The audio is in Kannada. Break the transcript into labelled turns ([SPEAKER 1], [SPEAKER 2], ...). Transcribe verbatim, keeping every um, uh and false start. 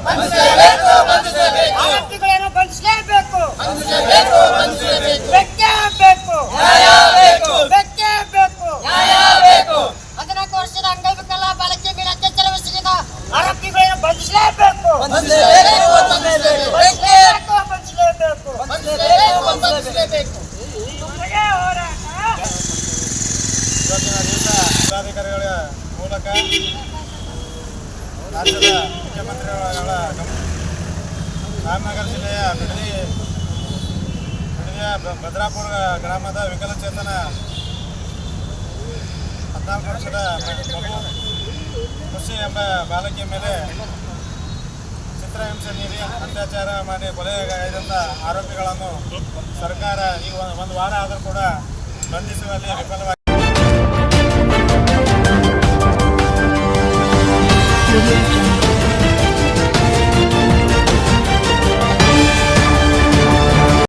[SPEAKER 1] ಆರೋಪಿಗಳನ್ನು ಬಂಧಿಸಲೇಬೇಕು. ಬೇಕೇ ಬೇಕು. ಬೇಕೇ ಬೇಕು. ಹದಿನಾಲ್ಕು ವರ್ಷದ ಅಂಗವಿಕಲ ಬಾಲಕಿಯ ಮೇಲೆ ಅತ್ಯಾಚಾರ ಎಸಗಿದ ಆರೋಪಿಗಳನ್ನು ಬಂಧಿಸಲೇಬೇಕು.
[SPEAKER 2] ಜಿಲ್ಲಾಧಿಕಾರಿಗಳ ಮೂಲಕ ರಾಜ್ಯದ ಮುಖ್ಯಮಂತ್ರಿಗಳ ರಾಮನಗರ ಜಿಲ್ಲೆಯ ಬಿಡದಿ ಬಿಡದಿಯ ಭದ್ರಾಪುರ ಗ್ರಾಮದ ವಿಕಲಚೇತನ ಹದಿನಾಲ್ಕು ವರ್ಷದ ಮಗು ಖುಷಿ ಎಂಬ ಬಾಲಕಿಯ ಮೇಲೆ ಚಿತ್ರಹಿಂಸೆ ನೀಡಿ ಅತ್ಯಾಚಾರ ಮಾಡಿ ಕೊಲೆಗೈದಂಥ ಆರೋಪಿಗಳನ್ನು ಸರ್ಕಾರ ಈಗ ಒಂದು ವಾರ ಆದರೂ ಕೂಡ ಬಂಧಿಸುವಲ್ಲಿ ವಿಫಲವಾಗಿದೆ.